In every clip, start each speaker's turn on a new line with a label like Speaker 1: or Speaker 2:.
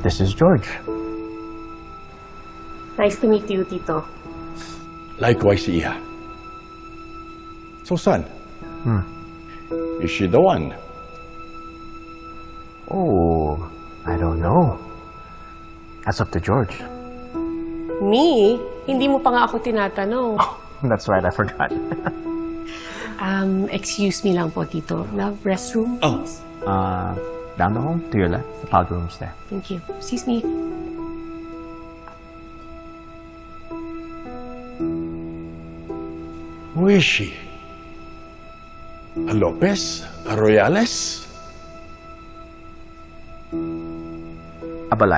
Speaker 1: This is George.
Speaker 2: Nice to meet you, Tito.
Speaker 3: Likewise, Iha. So, son? Is she the one?
Speaker 1: Oh, I don't know. That's up to George.
Speaker 2: Me? Hindi mo pa nga ako tinatanong.
Speaker 1: That's right, I forgot.
Speaker 2: Excuse me lang po, Tito. Love, restroom?
Speaker 3: Oh.
Speaker 1: Down the hall, to your left. The powder room's there.
Speaker 2: Thank you. Excuse me.
Speaker 3: Who is she? A Lopez? A Royales?
Speaker 1: Abalay.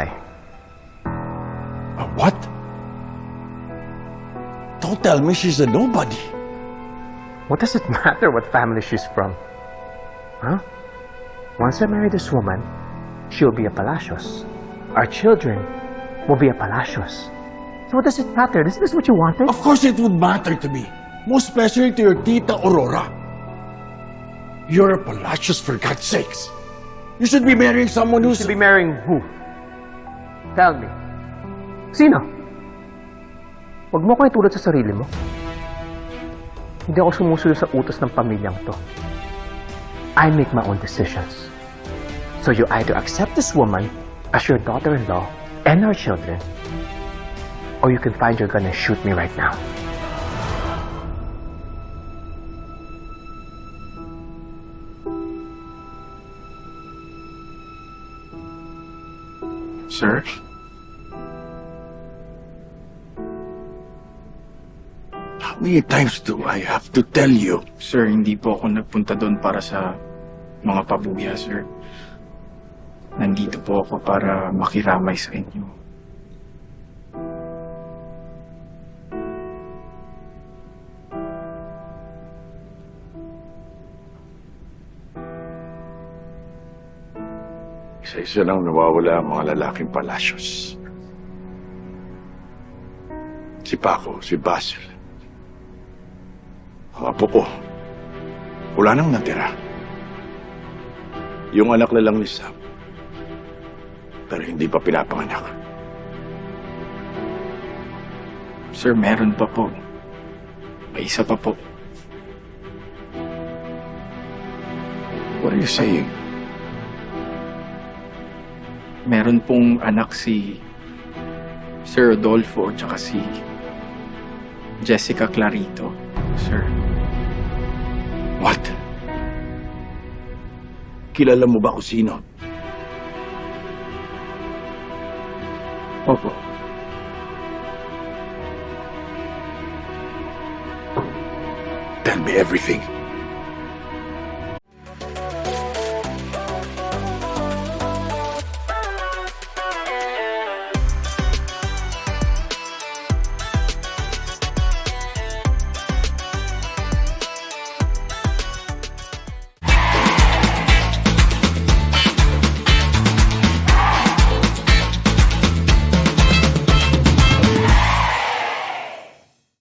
Speaker 3: A what? Don't tell me she's a nobody.
Speaker 1: What does it matter what family she's from? Huh? Once I marry this woman, she'll be a Palacios. Our children will be a Palacios. So what does it matter? Isn't this what you wanted?
Speaker 3: Of course it would matter to me. Most especially to your Tita Aurora. You're a Palacios, for God's sakes. You should be marrying someone
Speaker 1: You
Speaker 3: who's...
Speaker 1: should be marrying who? Tell me. Sino? Huwag mo ko itulad sa sarili mo. Hindi ako sumusunod sa utos ng pamilyang to. I make my own decisions. So you either accept this woman as your daughter-in-law and our children, or you can find your gun and shoot me right now.
Speaker 4: Sir?
Speaker 3: How many times do I have to tell you?
Speaker 4: Sir, hindi po ako nagpunta doon para sa mga pabuya, sir. Nandito po ako para makiramay sa inyo.
Speaker 3: Isa-isa lang nawawala ang mga lalaking Palacios. Si Paco, si Basil. Ang apo ko, wala nang natira. Yung anak na lang ni Sam, pero hindi pa pinapanganak.
Speaker 4: Sir, meron pa po. May isa pa po.
Speaker 3: What are you saying?
Speaker 4: Meron pong anak si Sir Rodolfo at saka si Jessica Clarito, sir.
Speaker 3: What? Kilala mo ba kung sino?
Speaker 4: Opo.
Speaker 3: Tell me everything.